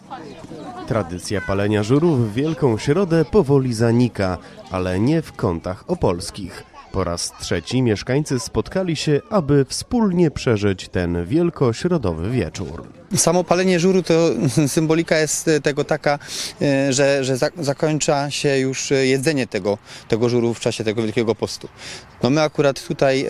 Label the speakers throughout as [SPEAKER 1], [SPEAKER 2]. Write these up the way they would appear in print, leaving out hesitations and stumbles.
[SPEAKER 1] Tradycja palenia żurów w Wielką Środę powoli zanika, ale nie w kątach opolskich. Po raz trzeci mieszkańcy spotkali się, aby wspólnie przeżyć ten wielkośrodowy wieczór.
[SPEAKER 2] Samo palenie żuru to symbolika jest tego taka, że zakończa się już jedzenie tego żuru w czasie tego Wielkiego Postu. No my akurat tutaj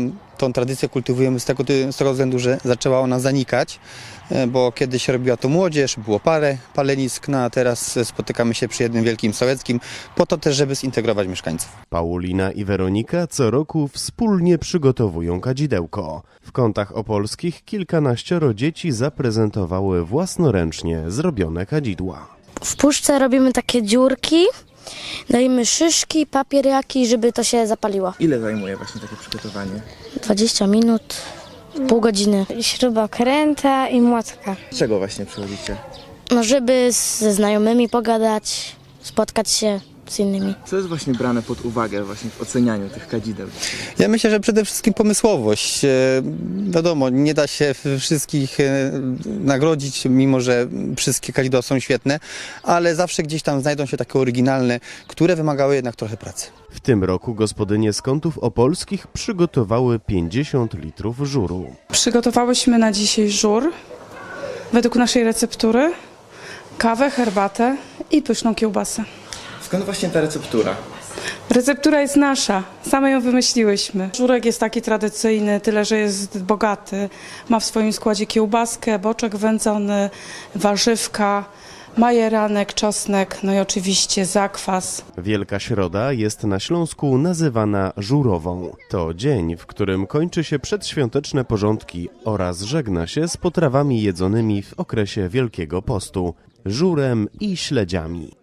[SPEAKER 2] tą tradycję kultywujemy z tego względu, że zaczęła ona zanikać, bo kiedyś robiła to młodzież, było parę palenisk, no a teraz spotykamy się przy jednym wielkim sołeckim, po to też, żeby zintegrować mieszkańców.
[SPEAKER 1] Paulina i Weronika co roku wspólnie przygotowują kadzidełko. W kątach opolskich kilkanaścioro dzieci zaprezentowały własnoręcznie zrobione kadzidła.
[SPEAKER 3] W puszce robimy takie dziurki, dajemy szyszki, papier jakiś, żeby to się zapaliło.
[SPEAKER 4] Ile zajmuje właśnie takie przygotowanie?
[SPEAKER 3] 20 minut, pół godziny.
[SPEAKER 5] Śrubokręta i młotka.
[SPEAKER 4] Z czego właśnie przychodzicie?
[SPEAKER 3] No, żeby ze znajomymi pogadać, spotkać się z innymi.
[SPEAKER 4] Co jest właśnie brane pod uwagę właśnie w ocenianiu tych kadzideł?
[SPEAKER 2] Ja myślę, że przede wszystkim pomysłowość. Wiadomo, nie da się wszystkich nagrodzić, mimo że wszystkie kadzidła są świetne, ale zawsze gdzieś tam znajdą się takie oryginalne, które wymagały jednak trochę pracy.
[SPEAKER 1] W tym roku gospodynie z kątów opolskich przygotowały 50 litrów żuru.
[SPEAKER 6] Przygotowałyśmy na dzisiaj żur według naszej receptury, kawę, herbatę i pyszną kiełbasę.
[SPEAKER 4] Skąd właśnie ta receptura?
[SPEAKER 6] Receptura jest nasza, same ją wymyśliłyśmy. Żurek jest taki tradycyjny, tyle że jest bogaty. Ma w swoim składzie kiełbaskę, boczek wędzony, warzywka, majeranek, czosnek, no i oczywiście zakwas.
[SPEAKER 1] Wielka Środa jest na Śląsku nazywana żurową. To dzień, w którym kończy się przedświąteczne porządki oraz żegna się z potrawami jedzonymi w okresie Wielkiego Postu, żurem i śledziami.